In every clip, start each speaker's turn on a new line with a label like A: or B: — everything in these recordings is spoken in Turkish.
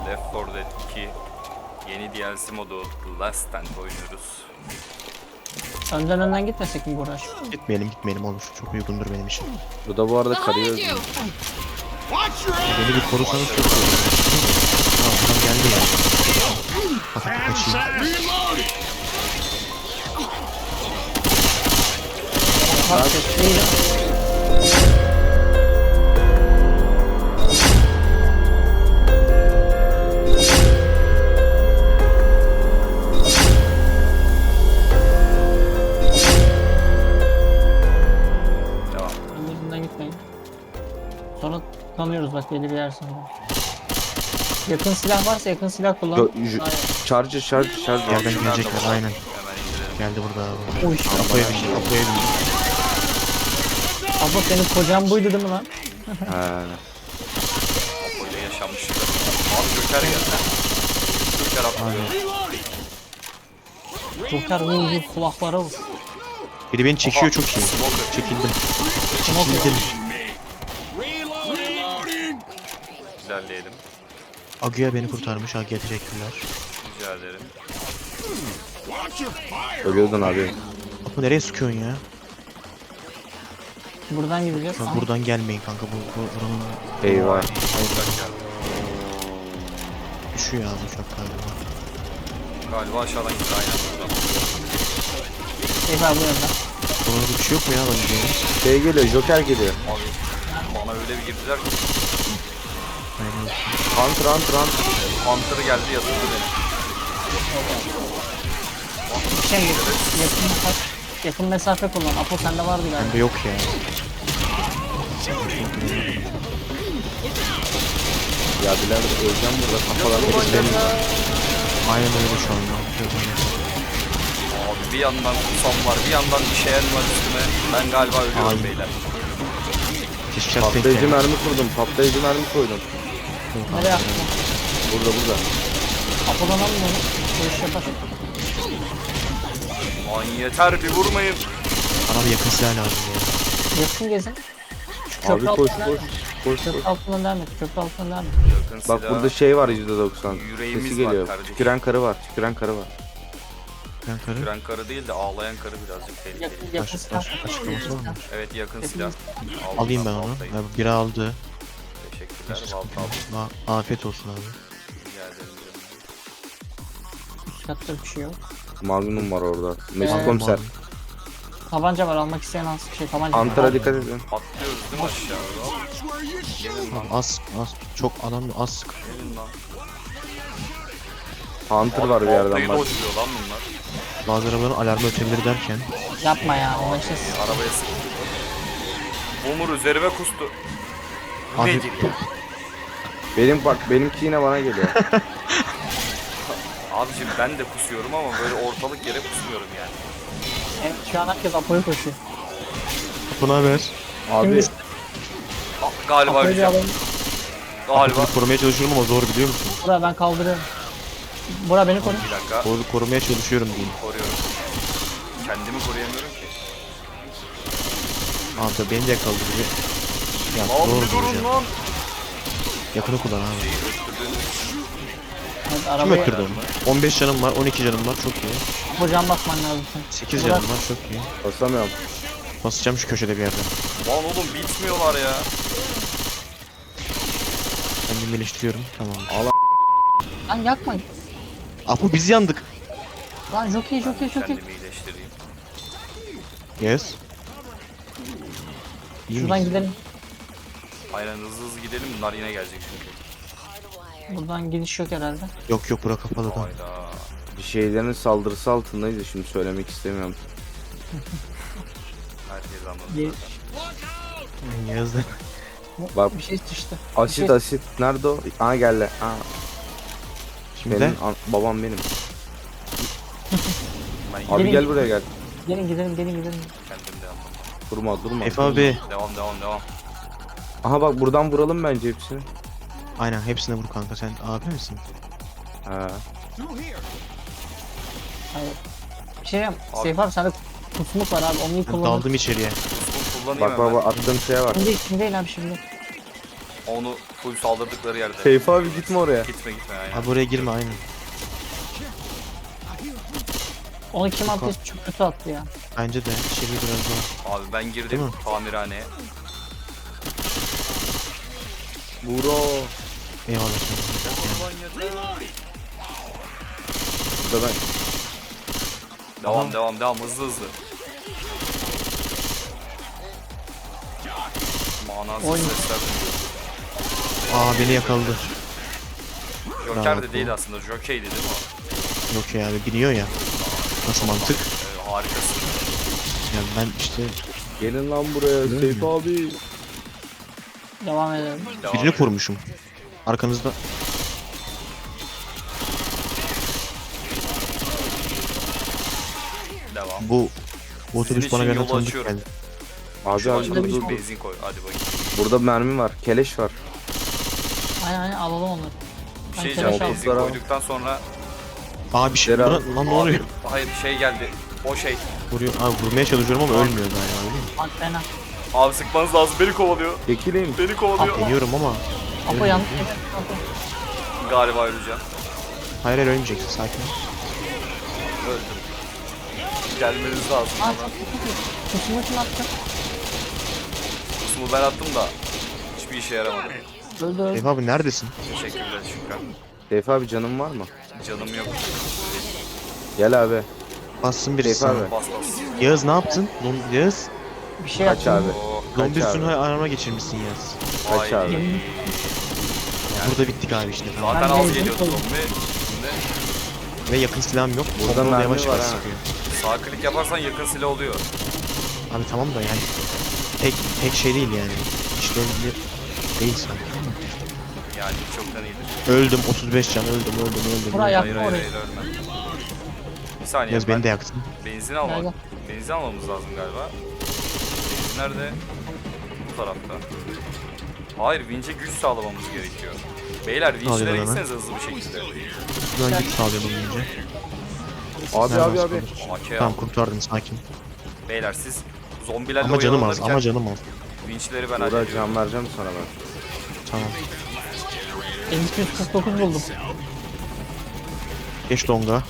A: Left 4 Dead 2 yeni DLC modu The Last Stand oynuyoruz.
B: Önden gitmesek mi Burak?
C: Gitmeyelim olur. Çok uygundur benim için.
D: Bu da bu arada karıyı öldürüyor.
C: Beni bir korusanız çok iyi olur. Tamam adam geldi ya. Hafif kaçayım.
B: Bak sesliyle.
A: Devam.
B: Önden gitmeyin. Sonra kanıyoruz bak belli bir yer sonra. Yakın silah varsa yakın silah kullan. Hayır.
D: Charger.
C: Yerden gelecekler aynen.
A: Hemen indirelim.
C: Geldi burada abi.
B: Oy.
C: Apo'ya bindi.
B: Abla senin kocan buydu değil mi lan?
D: He.
A: Böyle yaşanmıştı. Abi Joker geldi. Joker atlıyor.
B: Joker vur kulaklara vur.
C: Biri beni çekiyor çok iyi. Çekildim.
A: İlerleyelim.
C: Aguya beni kurtarmış. Aguya teşekkürler.
A: Rica ederim.
D: Ölüyordun abi.
C: Apo nereye sıkıyorsun ya?
B: Buradan gideceğiz.
C: Bak, buradan gelmeyin kanka. Buranın
D: Eyvah.
A: Joker geldi.
C: düşüyor abi uçak galiba.
A: Galiba aşağıdan gitti aynen buradan.
B: Eyvah bu yönden.
C: Burada bir şey yok mu ya alabileceğiniz?
D: Şey geliyor, Joker geliyor.
A: Abi bana öyle bir girdiler ki.
C: Aynen.
D: Hunter.
A: Hunter geldi yatırdı beni.
B: Şey yakın mesafe kullan. Apo sende vardı galiba.
C: Bende yok ya.
D: Ya birader öleceğim burada kafalarını keselim.
C: Aynen öyle şu anda.
A: Abi bir yandan kutsam var, bir yandan işeyen var üstüme. Ben galiba ölüyorum
C: Ay.
A: beyler.
C: Keşke şans denk
D: Patlayıcı
C: geldi.
D: mermi kurdum. Patlayıcı mermi koydum.
B: Nereye attın?
D: Burada.
B: Apo'dan alın onu. Bu iş yapar.
A: Ay yeter bir vurmayın.
C: Bana bir yakın silah lazım ya.
B: Yakın gezin. Şu
D: Abi
B: köprü
D: koş.
B: altından devam et. Köprü altından devam et. Köprü altından devam et.
A: Yakın
D: Bak
A: silah.
D: burada şey var %90.
A: Yüreğimiz
D: Sesi
A: var
D: geliyor.
A: kardeşim.
D: Tüküren karı var.
C: Ben karı.
A: Gören karı değil de ağlayan karı birazcık tehlikeli.
B: Yakın silah.
C: Açıklaması var mı?
A: Evet yakın silah.
C: Alayım ben onu.
A: Baltayı.
C: Abi, biri aldı.
A: Teşekkürler. Balta aldım.
C: Afiyet olsun abi.
A: Rica ederim.
B: Üst katta bir şey yok.
D: Magnum var orada. Mesut
B: Evet.
D: komiser.
B: Tabanca var almak isteyen alsın. Tabanca.
D: Hunter'a dikkat edin.
A: Atlıyoruz değil mi aşağı? Gelin lan.
C: Abi az çok adam az sık.
A: Gelin lan.
D: Hunter var bir yerden
A: Baltayı
D: bak.
A: dodge'luyor lan bunlar.
C: Bazı arabaların alarmı ötebilir derken.
B: Yapma ya. O işte
A: Arabaya sıktı. Umur üzerime kustu.
C: Abi-
A: Nedir ya?
D: Benimki yine bana geliyor.
A: Abicim ben de kusuyorum ama böyle ortalık yere kusmuyorum yani.
B: evet, şu an herkes Apo'ya koşuyor.
C: Buna haber.
D: Abi
A: Galiba
B: Apo'yu bir
A: öleceğim.
B: alalım.
A: Galiba.
C: Bunu korumaya çalışıyorum ama zor biliyor musun?
B: Bura ben kaldırıyorum. Bura beni koru.
A: Bir dakika.
C: Korumaya çalışıyorum diyeyim.
A: Koruyorum. Kendimi koruyamıyorum ki.
C: Abi beni de kaldırıyor. Ya
A: Lan
C: zor
A: bir durun
C: duracağım.
A: lan.
C: Yakını kullan abi.
A: Şeyi öttürdüğünüz
B: Evet,
C: Kim
B: arabayı
C: öttürdü onu? 15 canım var, 12 canım var, çok iyi.
B: Apo can basman lazım sen.
C: 8
B: Bırak.
C: canım var, çok iyi.
D: basamıyorum.
C: Basacağım şu köşede bir yerden.
A: Lan oğlum bitmiyorlar ya.
C: Kendimi iyileştiriyorum, tamam.
B: Lan yakma.
C: Apo biz yandık.
B: Lan jockey.
A: Kendimi iyileştireyim.
C: Yes. İyi
B: Şuradan
C: miyiz?
B: gidelim.
A: Aynen hızlı gidelim bunlar yine gelecek çünkü.
B: Buradan gidiş yok herhalde.
C: Yok bura kapalı da.
A: Hayda.
D: Bir şeylerin saldırısı altındayız da şimdi söylemek istemiyorum.
A: Herkes anladı.
B: Bir,
C: Yazdı.
D: Bak
B: bir şey düştü.
D: asit. Nerede o? Aa geldi. Aa.
C: Şimdi
D: Benim babam benim.
A: Ben
D: Abi
B: Gelin.
D: gel buraya gel.
B: Gelin gidelim.
A: kendim de anlamadım.
D: Durma.
C: Efe abi.
A: Devam.
D: Aha bak buradan vuralım bence hepsini.
C: Aynen hepsine vur kanka, sen abi misin?
D: Ha.
B: Hayır. Bir şey yap.
A: Abi.
B: Seyf abi sende kusmuk var abi. Onu iyi
C: Ben
B: kullanın.
C: daldım içeriye.
A: Bunu kullanayım
D: Bak
A: hemen.
D: attığım şeye bak.
B: Şimdi değil abi şimdi.
A: Onu full saldırdıkları yerde.
D: Seyfi abi gitme oraya.
A: Gitme aynen.
C: Abi oraya girme aynen.
B: Onu kim attıysa çok kötü attı ya.
C: Bence de içeri biraz daha.
A: Abi ben
C: Değil
A: girdim
C: mi?
A: tamirhaneye.
D: Buro.
C: Eyvallah canım.
D: Burada ben.
A: Devam hızlı. Manasız
B: Oyun.
A: sesler duyuyor.
C: Aa beni yakaladı.
A: Joker
C: Bravo.
A: de değil aslında. Jockey'di değil mi o?
C: Yok ya abi biliyor ya. Nasıl mantık?
A: Harikasın.
C: Yani ben işte
D: Gelin lan buraya Seyfi abi.
B: Devam edelim.
A: Devam
C: birini
A: edelim.
C: korumuşum. Arkanızda.
A: Devam.
C: Bu otobüs
A: Sizin
C: bana
A: için
C: gelen
A: yolu
C: tanıdık
A: açıyorum.
C: geldi.
D: Abi
A: Şu
D: abi
A: başına
D: dur, dur.
A: benzin koy. Hadi bakayım.
D: Burada mermi var. Keleş var.
B: Aynen alalım onları.
A: Bir
B: Ben
A: şey
B: keleş
A: diyeceğim.
B: aldım.
A: Benzin
D: Toplara-
A: koyduktan sonra
C: Aa bir şey.
D: Beraber-
C: Lan ne oluyor?
A: hayır bir şey geldi. O şey.
C: Vuruyor. Abi vurmaya çalışıyorum ama ölmüyor galiba öyle mi?
B: Bak fena.
A: Abi sıkmanız lazım. Beni kovalıyor.
D: Çekilin.
A: Beni kovalıyor.
C: Deniyorum ama.
B: Apo yanlış.
A: Galiba öleceğim.
C: Hayır hayır ölmeyeceksin sakin ol.
A: Öldüm. Gelmeniz lazım.
B: Aa çok kötü. Kusumu kim attı?
A: Kusumu ben attım da hiçbir işe yaramadı.
B: Öldü.
C: Eyvah abi neredesin?
A: Teşekkürler Şükran.
D: Seyfi abi canın var mı?
A: Canım yok.
D: Gel abi.
C: Bassın birisi
D: Seyfi
C: sana.
D: abi.
A: Bas.
C: Yağız ne yaptın? Yağız.
B: Bir şey
D: Kaç
B: yaptım.
D: abi.
A: Oh,
C: Zombi
D: Kaç
C: üstünü
D: abi.
C: arama geçirmişsin Yağız.
D: Kaç
A: vay.
D: abi.
C: Burada bittik abi işte. Tamam.
A: Zaten
B: Ben
A: az
B: de
A: geliyordu
B: oldum.
A: zombi. Şimdi
C: Ve yakın silahım yok.
D: Burada
C: Pompalı
D: mermi
C: yavaş
D: var
C: yavaş
D: ha.
C: sıkıyor.
A: sağ klik yaparsan yakın silah oluyor.
C: Abi tamam da yani tek şey değil yani. İşlevli değil sanki.
A: Yani çoktan iyidir.
C: Öldüm 35 can öldüm.
B: Buraya
A: Hayır
B: yakma orayı.
A: ölme. Bir saniye
C: Yağız
A: ben
C: beni de yaktın.
A: benzin
B: Nerede?
A: almak. Benzin almamız lazım galiba. Benzin nerede? Bu tarafta. Hayır vinçe güç sağlamamız gerekiyor. Beyler vinçlere
C: Alayım hemen.
A: gitseniz hızlı bir şekilde.
C: Buradan git sağlayalım önce.
D: Abi
C: Nereden
D: abi abi.
C: sıkılır?
A: AK
C: Tamam
A: al.
C: kurtardım sakin.
A: Beyler siz zombilerle
C: Ama canım az
A: oyalanırken
C: ama canım az.
A: vinçleri ben
D: Buğra
A: hallediyorum.
D: can vereceğim sana ben.
C: Tamam.
B: 1249 buldum.
C: Geç donga.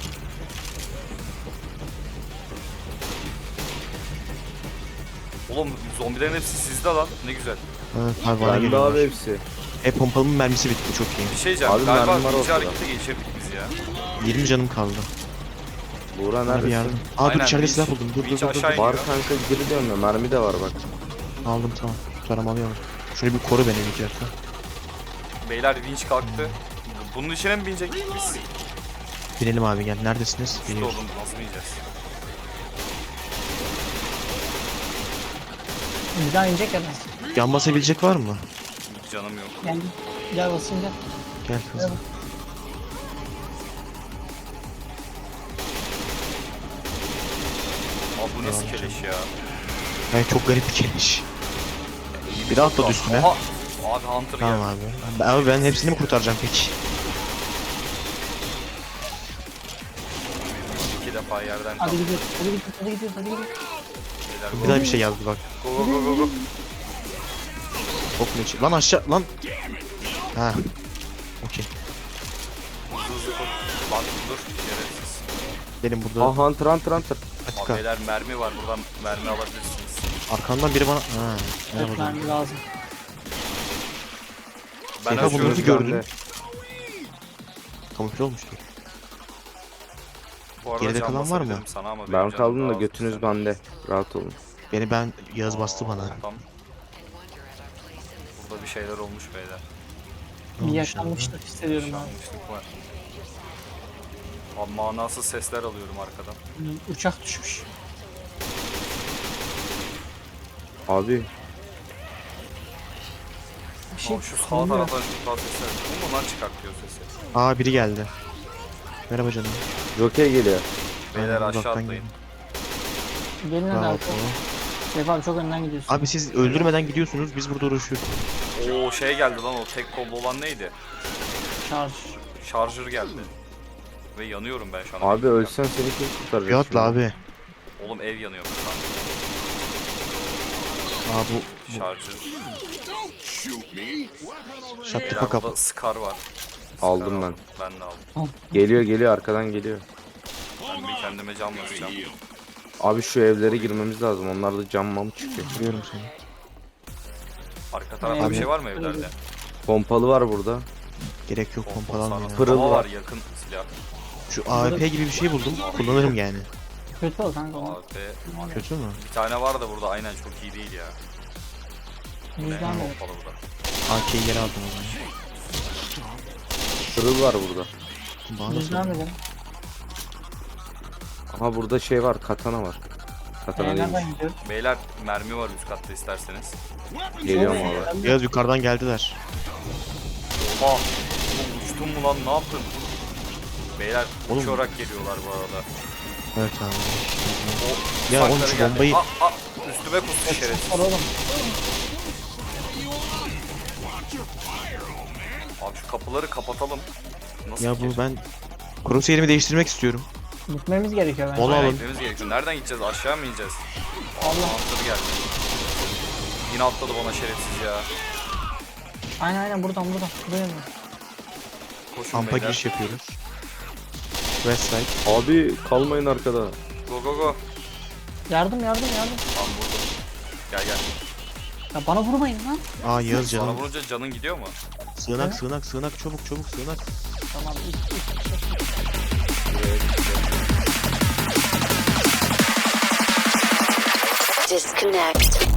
A: Oğlum zombilerin hepsi sizde lan. Ne güzel.
C: Evet abi bana
D: Bende abi
C: geliyorlar.
D: hepsi.
C: Pompalımın mermisi bitti çok iyi.
A: Bir şey diyeceğim.
D: Abi
A: Galiba
D: mermi var
A: vinçi
D: ortada.
A: harekete geçirdik biz ya.
C: 20 canım kaldı.
D: Buğra
C: Bana bir
D: neredesin?
C: yardım. Aa dur
A: Aynen,
C: içeride
A: vinç-
C: silah buldum. Dur
A: vinç
C: dur dur.
A: aşağı
C: dur.
A: iniyor.
D: Var kanka geri dönme. Mermi de var bak.
C: Aldım tamam. Tutarım alıyorum. Şunu bir koru beni bir dakika.
A: Beyler vinç kalktı. Bunun içine mi binecektik biz?
C: Binelim abi gel. Neredesiniz?
A: İşte
C: Geliyoruz.
A: oğlum nasıl bineceğiz?
B: Bir daha inecek ya ben.
C: Yan basabilecek var mı?
A: Canım yok.
B: Gel. Gel basayım gel.
C: Gel kızım.
A: Abi bu nasıl
C: Devam
A: keleş ya?
C: Yani çok garip bir keliş. Bir de atladı üstüne.
A: Aha! Abi Hunter
C: Tamam
A: geldi.
C: abi. Abi ben hepsini mi kurtaracağım peki?
A: İki defa yerden
B: Hadi
A: kalktı.
B: gidiyoruz. Hadi gidiyoruz. Hadi gidiyoruz. Hadi gidiyoruz.
A: Beyler,
C: Bir daha bir şey yazdı bak.
A: Go go go go go.
C: Çok meçi. Lan aşağı lan. Ha. Okey.
A: Hızlı hızlı koş. Bak dur. Gereksiz.
C: Benim burada
D: Ah Hunter Hunter Hunter.
A: Abi
C: patika.
A: beyler mermi var. Buradan mermi alabilirsiniz.
C: Arkandan biri bana... Ha.
B: Evet
C: Merhaba.
B: mermi lazım.
A: Ben
C: Seyfa
A: açıyorum.
C: bunları gördün.
D: Bende.
C: Kamufle olmuştu.
A: Bu arada
C: Geride
A: can
C: kalan var mı?
A: basabilirim Sana ama benim
D: Ben
A: canım
D: kaldım
A: daha
D: da
A: az
D: götünüz
A: mesela.
D: bende. Rahat olun.
C: Ben Yağız bastı bana.
A: Tamam. Burada bir şeyler olmuş beyler.
B: Bir yaşanmışlık hissediyorum abi.
A: Şanmışlık var. Abi manasız sesler alıyorum arkadan.
B: Uçak düşmüş.
D: Abi
B: Bir şey
A: Abi şu sağ
B: oluyor.
A: taraftan şu tarz sesler. Bu mu lan çıkartıyor sesi?
C: Aa biri geldi. Merhaba canım.
D: Joker geliyor.
A: Beyler
C: Ben
A: aşağı
C: uzaktan
A: atlayın.
B: Gelin hadi
C: Bravo.
B: abi. Seyf abi çok önden gidiyorsun.
C: Abi siz öldürmeden gidiyorsunuz biz burada uğraşıyoruz.
A: Oo şey geldi lan o tek kollu olan neydi?
B: Şarj.
A: Şarjör geldi. Ve yanıyorum ben şu an.
D: Abi ölsen seni kim kurtaracak?
C: Bir atla
D: şimdi?
C: abi.
A: Oğlum ev yanıyor lan.
C: Aa
A: Şarjı.
C: Shut the
A: Beyler
C: fuck up.
A: burada Scar var.
D: Aldım ben.
A: Ben de aldım.
D: Geliyor arkadan geliyor.
A: Ben bir kendime cam basacağım.
D: Abi şu evlere girmemiz lazım. Onlarda cam mam çıkıyor.
C: Vuruyorum seni.
A: Arka tarafta bir şey var mı evlerde?
D: Pompalı var burada.
C: Gerek yok pompalanmıyor. ya.
D: Pırıl
A: Ama
D: var.
A: var yakın silah.
C: Şu AWP gibi bir şey buldum. Kullanırım yani.
B: Kötü ol kanka onu.
A: AWP.
C: Kötü mü?
A: Bir tane var da burada aynen çok iyi değil ya. Ne?
B: Yüzden de.
A: Pompalı burada.
C: AK'yi geri aldım o zaman.
D: Pırıl var burada.
C: Bana nasıl
B: Yüzden
C: oluyor?
B: de.
D: Aha burada şey var. Katana var. Katana
B: Nereden
D: değilmiş.
B: gidiyoruz?
A: Beyler mermi var üst katta isterseniz.
D: Geliyorum abi.
C: Yağız yukarıdan geldiler.
A: Oha! Oğlum uçtun mu lan ne yaptın? Beyler
C: Oğlum.
A: uçarak geliyorlar bu arada.
C: Evet abi.
A: O
C: Ya oğlum
A: uzaklara
C: şu
A: geldi.
C: bombayı...
A: Üstüme kustu şerefsiz.
B: Var oğlum.
A: Abi şu kapıları kapatalım. Nasıl
C: Ya
A: ki?
C: bu ben... Crosshair'imi değiştirmek istiyorum.
B: Gitmemiz gerekiyor bence.
C: Mola
A: Aynen,
C: alın.
A: gitmemiz gerekiyor. Nereden gideceğiz? Aşağı mı ineceğiz?
B: Allah.
A: Atladı geldi. Yine atladı bana şerefsiz ya.
B: Aynen buradan. Buraya mı?
A: Koşun
C: Kampa
A: beyler.
C: giriş yapıyoruz. West side.
D: Abi kalmayın arkada.
A: Go go go.
B: Yardım.
A: Tamam vurdum. Gel.
B: Ya bana vurmayın lan.
C: Aa Yağız
A: Sana
C: canım.
A: vurunca canın gidiyor mu?
C: Sığınak çabuk sığınak.
B: Tamam.
E: Disconnect.